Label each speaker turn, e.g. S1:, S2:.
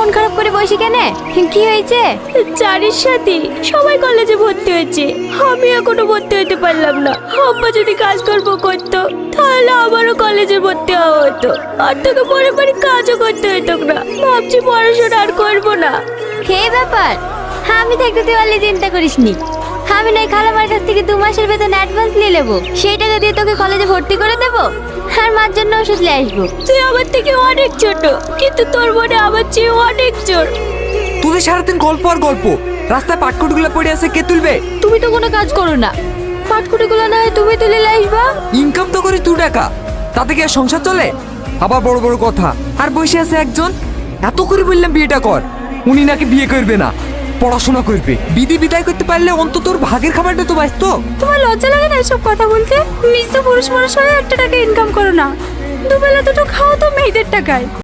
S1: মন খারাপ করে বসে কেন? কি হয়েছে?
S2: চারির সাথে সবাই কলেজে ভর্তি হয়েছে, আমি এখনো ভর্তি হতে পারলাম না। আব্বা যদি কাজকর্ম করতো তাহলে আমারও কলেজে ভর্তি হওয়া হতো, আর তোকে পরে পরে কাজও করতে হতো না। ভাবছি পড়াশোনা আর করবো না।
S1: হে ব্যাপার, আমি থাকতে তুই অলি চিন্তা করিস নি। আমি নয় খালামার কাছ থেকে 2 মাসের বেতন অ্যাডভান্স নিয়ে নেবো, সেই টাকা দিয়ে তোকে কলেজে ভর্তি করে দেবো, আর মার জন্য ওষুধ নিয়ে আসবো।
S2: তুই আমার থেকে অনেক ছোট, কিন্তু তোর মনে আমার চেয়ে অনেক জোর।
S3: তোদের সারাদিন গল্প আর গল্প, রাস্তায় পাটকুটগুলো পড়ে আছে, কে তুলবে?
S1: তুমি তো কোনো কাজ করো না, পাটকুটিগুলো না হয় তুমি তুলে নিয়ে আসবা।
S3: ইনকাম তো করি 2 টাকা, তাতে কি আর সংসার চলে? আবার বড় বড় কথা। আর বসে আছে একজন, এত করে বললাম বিয়েটা কর, উনি নাকি বিয়ে করবে না, পড়াশোনা করবে। বিধি বিদায় করতে পারলে অন্তত তোর ভাগের খাবারটা তো বাঁচতো।
S2: তোমার লজ্জা লাগে না এসব কথা বলতে? নিজ তো পুরুষ মানুষ হয়ে 1 টাকা ইনকাম করো না, দুবেলা দুটো খাও তো মেয়েদের টাকায়।